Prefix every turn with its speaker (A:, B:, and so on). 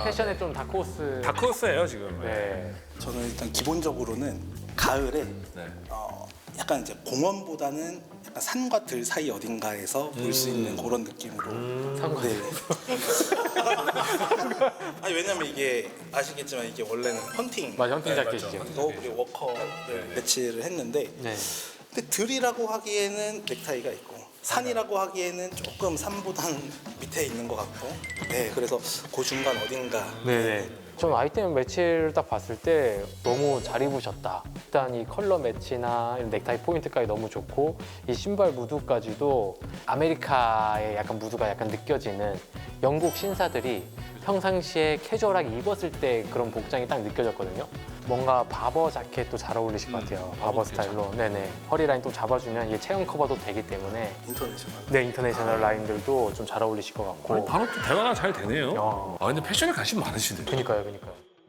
A: 패션의 좀 다크호스.
B: 다크호스예요 지금.
A: 네.
C: 저는 일단 기본적으로는 가을에
B: 네.
C: 약간 이제 공원보다는 약간 산과 들 사이 어딘가에서 볼 수 있는 그런 느낌으로.
A: 상관.
C: 네. 아니 왜냐면 이게 아시겠지만 이게 원래는 헌팅.
A: 맞아, 헌팅
B: 네,
A: 자켓이죠.
C: 또 우리 워커를 매치를 했는데
A: 네.
C: 근데 들이라고 하기에는 넥타이가 있고 산이라고 하기에는 조금 산보단 밑에 있는 것 같고 네 그래서 그 중간 어딘가
A: 네네. 전 아이템 매치를 딱 봤을 때 너무 잘 입으셨다. 일단 이 컬러 매치나 이런 넥타이 포인트까지 너무 좋고 이 신발 무드까지도 아메리카의 약간 무드가 약간 느껴지는 영국 신사들이 평상시에 캐주얼하게 입었을 때 그런 복장이 딱 느껴졌거든요. 뭔가 바버 자켓도 잘 어울리실 것 같아요. 바버 스타일로. 네네. 허리 라인 또 잡아주면 이게 체형 커버도 되기 때문에
C: 인터내셔널.
A: 네, 인터내셔널 라인들도 좀 잘 어울리실 것 같고.
B: 바로 또 대화가 잘 되네요.
A: 야.
B: 아 근데 패션에 관심 많으시네요.
A: 그니까요, 그니까요.